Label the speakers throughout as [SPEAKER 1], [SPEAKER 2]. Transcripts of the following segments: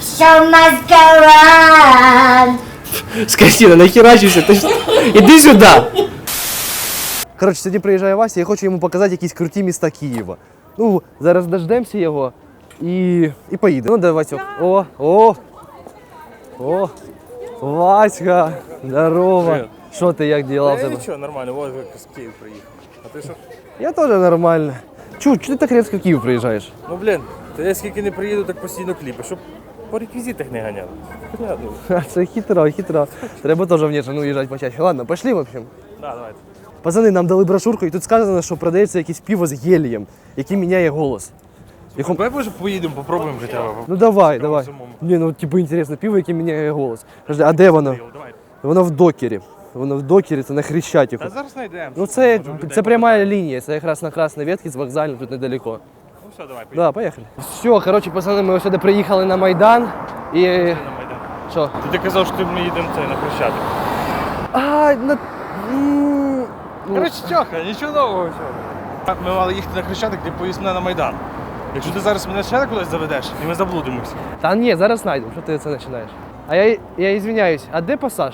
[SPEAKER 1] Show must go on.
[SPEAKER 2] Скотина, нахерачишся, ти ж... Іди сюди! Коротше, сьогодні приїжджає Вася, я хочу йому показати якісь круті міста Києва. Ну, зараз дождемося його і поїдемо. Ну, давай, Васьок. О, Васька, здорово.
[SPEAKER 3] Привет.
[SPEAKER 2] Що ти, як діла в тебе?
[SPEAKER 3] Нічого, нормально, вот з Київ приїхав. А ти що?
[SPEAKER 2] Я теж нормально. Чого ти так різко в Київ приїжджаєш?
[SPEAKER 3] Ну блін, то я скільки не приїду, так постійно кліпи, щоб по реквізитах не ганяли. Понятно.
[SPEAKER 2] Це хитро. Треба теж в Нежину їжджати почаще. Ладно, пошли, в общем.
[SPEAKER 3] Да, давайте.
[SPEAKER 2] Пацани, нам дали брошурку, і тут сказано, що продається якесь пиво з гелієм, який міняє голос.
[SPEAKER 3] Давай може поїдемо, попробуємо хоча б.
[SPEAKER 2] Ну давай.
[SPEAKER 3] самому.
[SPEAKER 2] Ні, ну типу інтересно, пиво, яке міняє голос. Подожди, а де воно?
[SPEAKER 3] Давай.
[SPEAKER 2] Воно в докері. Воно в докері, це на Хрещатику.
[SPEAKER 3] Та зараз знайдемо.
[SPEAKER 2] Ну це пряма лінія, це якраз на Красній ветці з вокзальної, тут недалеко.
[SPEAKER 3] Ну все, давай, поїдемо
[SPEAKER 2] Да, поїхали. Все, коротше, пацани, ми сюди приїхали на Майдан і...
[SPEAKER 3] на Майдан.
[SPEAKER 2] Що?
[SPEAKER 3] Ти казав, що ми їдемо на Хрещатик. Коротше, Тьоха, нічого нового всього. Ми мали їхати на Хрещатик, ти поїзд мене на Майдан. Якщо ти зараз мене ще кудись заведеш, і ми заблудимося.
[SPEAKER 2] Та ні, зараз знайдемо, що ти це починаєш. А я извиняюсь, а де пасаж?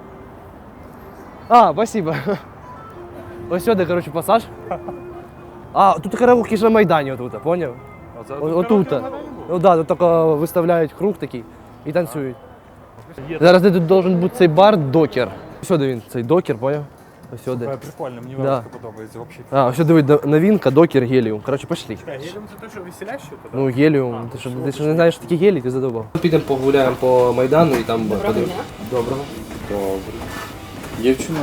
[SPEAKER 2] А, спасибо. Ось сюди, коротше, пасаж. А, тут караоке ж на Майдані отут, поняв? Отут. Ну да, тут тільки виставляють круг такий і танцюють. Зараз де тут должен бути цей бар Докер. Сюди він, цей Докер, поняв? Ось сюди.
[SPEAKER 3] Прикольно, мені
[SPEAKER 2] Да.
[SPEAKER 3] велика подобається взагалі.
[SPEAKER 2] А, ось сюди новинка, Докер, Геліум. Коротше, пошли.
[SPEAKER 3] Геліум це те, що веселяще?
[SPEAKER 2] Ну, Геліум. Ти що не знаєш, що таке гелій, ти задовбав. Підемо погуляємо по Майдану і там... Доброго.
[SPEAKER 4] Добре. Дівчина,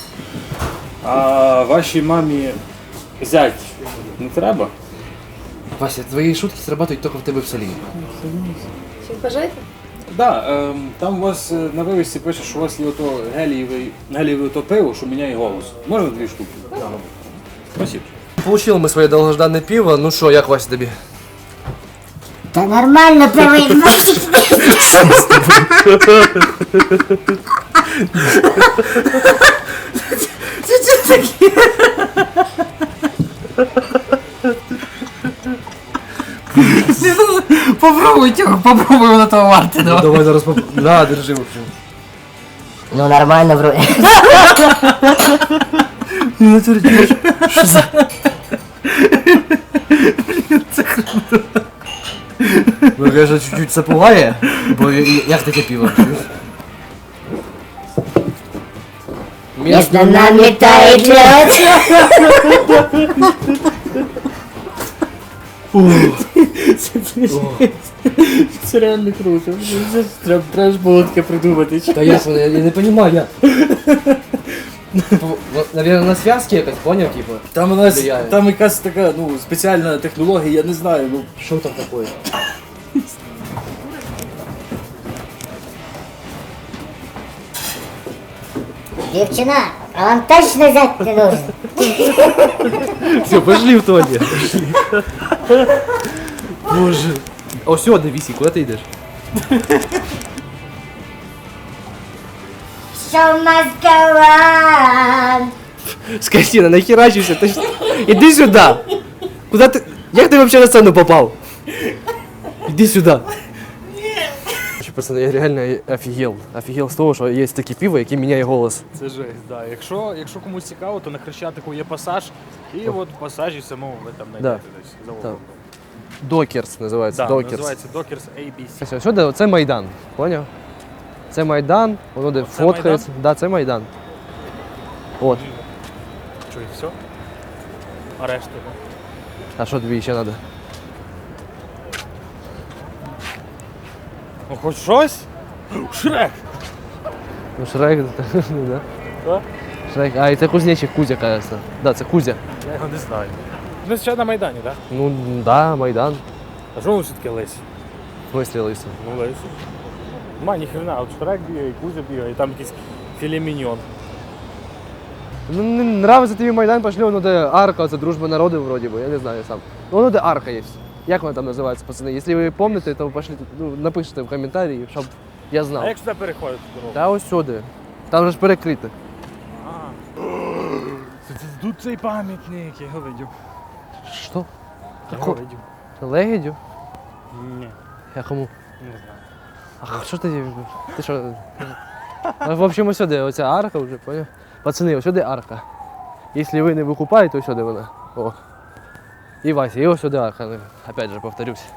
[SPEAKER 4] а вашій мамі зять не треба?
[SPEAKER 2] Вася, твої шутки срабатують тільки в тебе в селі.
[SPEAKER 1] Що, бажаєте?
[SPEAKER 4] Да, там у вас на вивісці пише, що у вас є ото гелієве ото пиво, що міняє голос. Можна 2 штуки? Спасибо.
[SPEAKER 2] Получили ми своє довгожданне пиво. Ну що, як Вася тобі?
[SPEAKER 1] Та нормально, правий. Що таке?
[SPEAKER 5] Попробуй, Тёх, попробуй, воно того варте, давай.
[SPEAKER 2] Давай зараз На, держи, в общем.
[SPEAKER 1] Ну нормально, вроде.
[SPEAKER 2] Що за... Ну, конечно, чуть-чуть це пугає, бо як таке пиво?
[SPEAKER 1] Между нами тает лед.
[SPEAKER 5] Це реально круто. Треба ж було таке придумати.
[SPEAKER 2] Та ясно, я не розумію, як. Наверное, на зв'язки якось, поняв, типу?
[SPEAKER 4] Там у нас
[SPEAKER 2] Влияє.
[SPEAKER 4] там якась така спеціальна технологія, я не знаю. Ну,
[SPEAKER 2] Що там таке?
[SPEAKER 1] Девчина, а вам точно взять не нужно?
[SPEAKER 2] Все, пошли в туалет. Боже. О, все, дивись, куди ти йдеш?
[SPEAKER 1] Show must go on.
[SPEAKER 2] Скотина, нахерачишься, ти ж... Іди сюди! Куда ти... Як ти вообще на сцену попав? Іди сюди. Пацаны, я реально офігел. Офігел з того, що є таке пиво, яке міняє голос.
[SPEAKER 3] Це жесть, да. Якщо комусь цікаво, то на Хрещатику є пасаж, і от в пасажі самому ви там знайдете десь за углом.
[SPEAKER 2] Докерс називається,
[SPEAKER 3] Да,
[SPEAKER 2] Докерс.
[SPEAKER 3] називається Dockers ABC.
[SPEAKER 2] Ось сюди, це Майдан, поняв? Це Майдан, воно де
[SPEAKER 3] Оце
[SPEAKER 2] фоткається. Да, це Майдан. От.
[SPEAKER 3] Що, і все? А решта?
[SPEAKER 2] А що тобі ще треба?
[SPEAKER 3] Ну хоч щось? Шрек!
[SPEAKER 2] Ну, Шрек, да.
[SPEAKER 3] Що?
[SPEAKER 2] Шрек. А, і це кузнечик Кузя, кажется. Да, це Кузя.
[SPEAKER 3] Я його не знаю. Ми зараз на Майдані, так?
[SPEAKER 2] Ну, да, Майдан.
[SPEAKER 3] А що ви все-таки Лесі?
[SPEAKER 2] В смысле лисий?
[SPEAKER 3] Ну Лесі. Ма, ніхрена, от Шрек бігає, і Кузя бігає, і там якийсь філе міньйон.
[SPEAKER 2] Ну, не нравиться тобі Майдан, пошли, воно де арка, це дружба народів вроді би, я не знаю сам. Ну, воно де арка є. Як вона там називається, пацани? Якщо ви пам'ятаєте, то пошліть, ну, напишіть в коментарі, щоб я знав.
[SPEAKER 3] А як сюди переходити дорогу?
[SPEAKER 2] Та ось сюди. Там же ж перекрите.
[SPEAKER 3] Тут цей пам'ятник, я його видів.
[SPEAKER 2] Що?
[SPEAKER 3] Я його видів.
[SPEAKER 2] Легідю?
[SPEAKER 3] Ні,
[SPEAKER 2] Я кому?
[SPEAKER 3] не знаю.
[SPEAKER 2] А що ти? Ти що? Ну, в общем, ось сюди, оця арка вже, поняв? Пацани, ось сюди арка. Якщо ви не викупаєте, то ось сюди вона. О. І Вася, і ось сюди арка. Ну, опять же, повторюсь.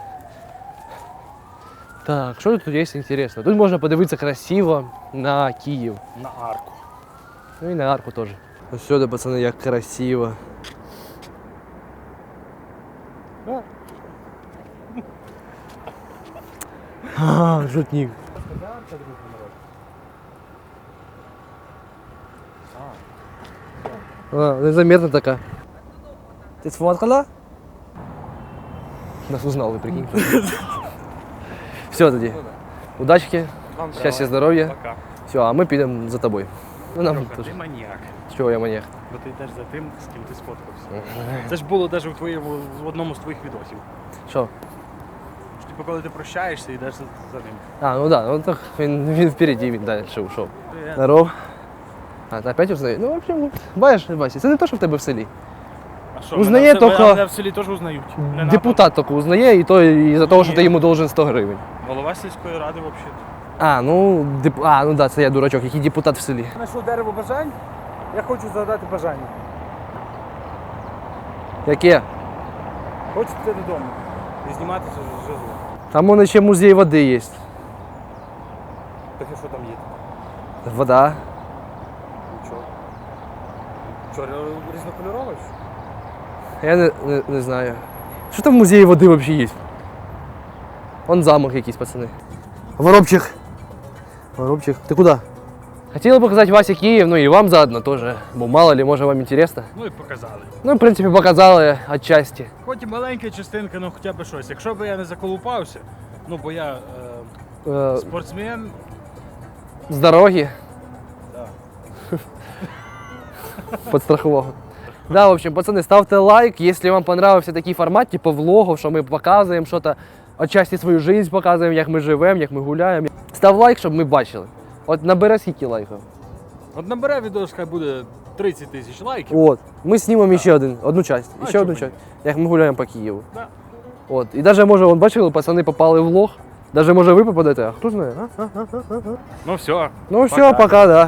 [SPEAKER 2] Так, що тут є інтересно? Тут можна подивитися красиво на Київ.
[SPEAKER 3] На арку.
[SPEAKER 2] Ну і на арку теж. Ось сюди, пацани, як красиво. А, жутник. А, незаметно така. Ти сфоткала? Нас узнали, прикинь. Все тоді. Удачки, щастя, здоров'я.
[SPEAKER 3] Пока.
[SPEAKER 2] Все, а ми підемо за тобою. Ну, нам
[SPEAKER 3] Льоха,
[SPEAKER 2] теж.
[SPEAKER 3] ти маніяк.
[SPEAKER 2] Чого я маніяк?
[SPEAKER 3] Бо ти йдеш за тим, з ким ти сфоткався. Це ж було навіть в одному з твоїх відосів.
[SPEAKER 2] Що?
[SPEAKER 3] Що, типу, коли ти прощаєшся, йдеш за ним.
[SPEAKER 2] А, ну да, ну так він впереді, він далі ушов. Здоров. А, ти опять узнає? Ну, в общем, бачиш, Вася, це не те, що в тебе в селі.
[SPEAKER 3] А що,
[SPEAKER 2] Узнає тільки-
[SPEAKER 3] мене в селі теж узнають. Мене
[SPEAKER 2] Депутат тільки узнає, і то із-за того, що ти йому должен 100 гривень.
[SPEAKER 3] Голова сільської ради взагалі.
[SPEAKER 2] А, ну, ну да, це я дурачок, який депутат в селі.
[SPEAKER 3] Знайшов дерево бажань, я хочу загадати бажання.
[SPEAKER 2] Яке?
[SPEAKER 3] Хочу піти додому і зніматися з жезлу.
[SPEAKER 2] Там вон ще музей води є.
[SPEAKER 3] Так і що там є?
[SPEAKER 2] Вода.
[SPEAKER 3] Нічого. Що, різнокольоровий?
[SPEAKER 2] Я не знаю. Що там в музеї води взагалі є? Вон замок якийсь, пацани. Воробчик. Воробчик. Ти куди? Хотіли показати Васі Київ, ну і вам заодно теж. Бо мало ли, може вам інтересно.
[SPEAKER 3] Ну і показали.
[SPEAKER 2] Ну, в принципі, показали отчасті.
[SPEAKER 3] Хоч і маленька частинка, ну хоча б щось. Якщо б я не заколупався, ну бо я спортсмен,
[SPEAKER 2] З дороги.
[SPEAKER 3] Да.
[SPEAKER 2] Подстрахового. Да, в общем, пацаны, ставьте лайк, если вам понравился такий формат, типу влогов, що ми показуємо щось, отчасті свою жизнь показуємо, як ми живемо, як ми гуляємо. Став лайк, щоб ми бачили. От набере скільки лайків.
[SPEAKER 3] от набере відео, хай буде 30 тисяч лайків.
[SPEAKER 2] От. Ми знімемо ще одну часть.
[SPEAKER 3] А
[SPEAKER 2] Ще одну
[SPEAKER 3] чого
[SPEAKER 2] часть. Як ми гуляємо по Києву.
[SPEAKER 3] Да.
[SPEAKER 2] От. І навіть може, вон, бачили, пацани попали в влог. Навіть може ви попадете, а хто знає, а?
[SPEAKER 3] Ну все.
[SPEAKER 2] Ну все, пока, да.